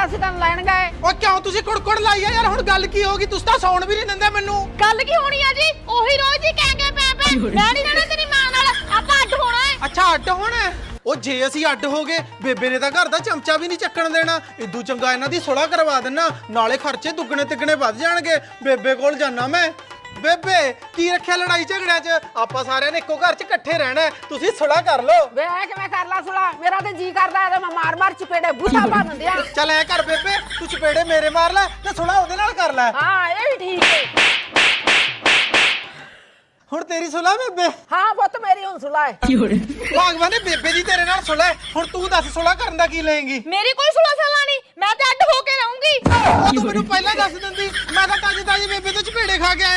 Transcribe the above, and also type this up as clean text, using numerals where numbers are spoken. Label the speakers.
Speaker 1: ਅਸੀਂ ਤੈਨੂੰ ਲੈਣ ਗਏ।
Speaker 2: ਓ ਕਿਉਂ ਤੁਸੀਂ ਕੁੜਕੁੜ ਲਾਈ ਆ ਯਾਰ? ਹੁਣ ਗੱਲ ਕੀ ਹੋ ਗਈ? ਤੁਸੀਂ ਤਾਂ ਸੌਣ ਵੀ ਨਹੀਂ ਦਿੰਦੇ ਮੈਨੂੰ।
Speaker 1: ਗੱਲ ਕੀ ਹੋਣੀ ਆ ਜੀ? ਉਹੀ ਰੋਜ਼ ਹੀ ਕਹਿ ਕੇ ਪੈ ਮੈਂ ਨਹੀਂ ਰਹਿਣਾ ਤੇਰੀ ਮਾਂ ਨਾਲ, ਆਪਾਂ ਅੱਡ ਹੋਣਾ ਹੈ।
Speaker 2: ਅੱਛਾ ਅੱਡ ਹੋਣਾ ਹੈ? ਉਹ ਜੇ ਅਸੀਂ ਅੱਡ ਹੋ ਗਏ ਬੇਬੇ ਨੇ ਤਾਂ ਘਰ ਦਾ ਚਮਚਾ ਵੀ ਨਹੀਂ ਚੱਕਣ ਦੇਣਾ। ਇਦੂ ਚੰਗਾ ਇਹਨਾਂ ਦੀ ਸੁਲ੍ਹਾ ਕਰਵਾ ਦੇਣਾ, ਨਾਲੇ ਖਰਚੇ ਦੁੱਗਣੇ ਤਿੱਗਣੇ ਵੱਧ ਜਾਣਗੇ। ਬੇਬੇ ਕੋਲ ਜਾਣਾ ਮੈਂ। ਬੇਬੇ ਕੀ ਰੱਖਿਆ ਲੜਾਈ ਝਗੜਿਆਂ 'ਚ? ਆਪਾਂ ਸਾਰਿਆਂ ਨੇ ਇੱਕੋ ਘਰ 'ਚ ਇਕੱਠੇ ਰਹਿਣਾ, ਤੁਸੀਂ ਸੁਲ੍ਹਾ ਕਰ ਲਓ।
Speaker 1: ਵੇ ਕਿਵੇਂ ਕਰ ਲਾ ਸੁਲਾ? ਮੇਰਾ ਤੇ ਜੀ ਕਰਦਾ ਇਹਦੇ ਮੈਂ ਮਾਰ ਚਪੇੜੇ ਬੁੱਢਾ ਬਣ ਦਿੰਦਿਆ।
Speaker 2: ਚੱਲ ਐ ਕਰ ਬੇਬੇ, ਤੂੰ ਚਪੇੜੇ ਮੇਰੇ ਮਾਰ ਲੈ ਤੇ ਸੁਲ੍ਹਾ ਉਹਦੇ ਨਾਲ ਕਰ ਲੈ।
Speaker 1: ਹਾਂ ਇਹ ਵੀ ਠੀਕ ਹੈ।
Speaker 2: ਹੁਣ ਤੇਰੀ ਸੁਲ੍ਹਾ ਬੇਬੇ?
Speaker 1: ਹਾਂ ਪੁੱਤ ਮੇਰੀ ਹੁਣ ਸੁਲਾ ਹੈ।
Speaker 2: ਭਗਵਾਨ ਨੇ ਬੇਬੇ ਦੀ ਤੇਰੇ ਨਾਲ ਸੁਲ੍ਹਾ। ਹੁਣ ਤੂੰ ਦੱਸ ਸੁਲ੍ਹਾ ਕਰਨ ਦਾ ਕੀ ਲਏਂਗੀ?
Speaker 1: ਮੇਰੀ ਕੋਈ ਸੁਲਾ ਸਾਲਾ ਨਹੀਂ, ਮੈਂ ਤੇ ਅੱਡ ਹੋ ਕੇ ਰਹੂੰਗੀ।
Speaker 2: ਉਹ ਤੂੰ ਮੈਨੂੰ ਪਹਿਲਾਂ ਦੱਸ ਦਿੰਦੀ, ਮੈਂ ਤਾਂ ਤਾਜੀ ਬੇਬੇ ਤੋਂ ਚਪੇੜੇ ਖਾ ਕੇ ਆਇਆ।